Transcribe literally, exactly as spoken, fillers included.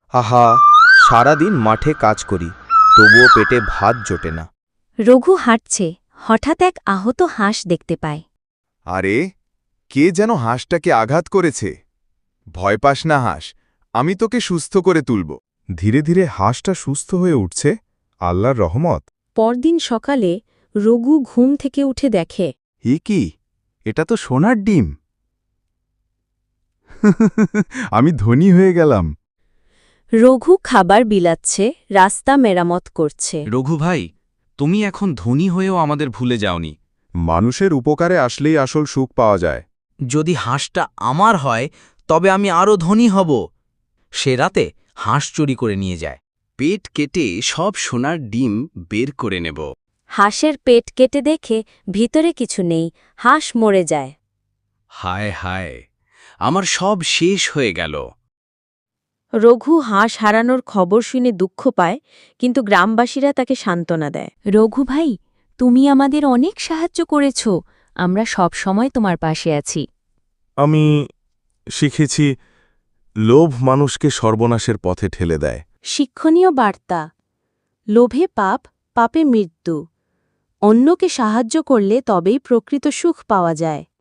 আহা, সারাদিন মাঠে কাজ করি, তবুও পেটে ভাত জোটে না। রঘু হাঁটছে, হঠাৎ এক আহত হাঁস দেখতে পায়। আরে, কে যেন হাঁসটাকে আঘাত করেছে। ভয় পাস না হাঁস, আমি তোকে সুস্থ করে তুলব। ধীরে ধীরে হাঁসটা সুস্থ হয়ে উঠছে, আল্লাহর রহমত। পরদিন সকালে রঘু ঘুম থেকে উঠে দেখে এ কি, এটা তো সোনার ডিম। আমি ধনী হয়ে গেলাম। রঘু খাবার বিলাচ্ছে, রাস্তা মেরামত করছে। রঘু ভাই, তুমি এখন ধনী হয়েও আমাদের ভুলে যাওনি। মানুষের উপকারে আসলেই আসল সুখ পাওয়া যায়। যদি হাঁসটা আমার হয় তবে আমি আরও ধনী হব। সে রাতে হাঁস চুরি করে নিয়ে যায়। পেট কেটে সব সোনার ডিম বের করে নেব। হাঁসের পেট কেটে দেখে ভিতরে কিছু নেই, হাঁস মরে যায়। হায় হায়, আমার সব শেষ হয়ে গেল। রঘু হাঁস হারানোর খবর শুনে দুঃখ পায়, কিন্তু গ্রামবাসীরা তাকে সান্ত্বনা দেয়। রঘু ভাই, তুমি আমাদের অনেক সাহায্য করেছ, আমরা সব সময় তোমার পাশে আছি। আমি শিখেছি, লোভ মানুষকে সর্বনাশের পথে ঠেলে দেয়। শিক্ষণীয় বার্তা: লোভে পাপ, পাপে মৃত্যু। অন্যকে সাহায্য করলে তবেই প্রকৃত সুখ পাওয়া যায়।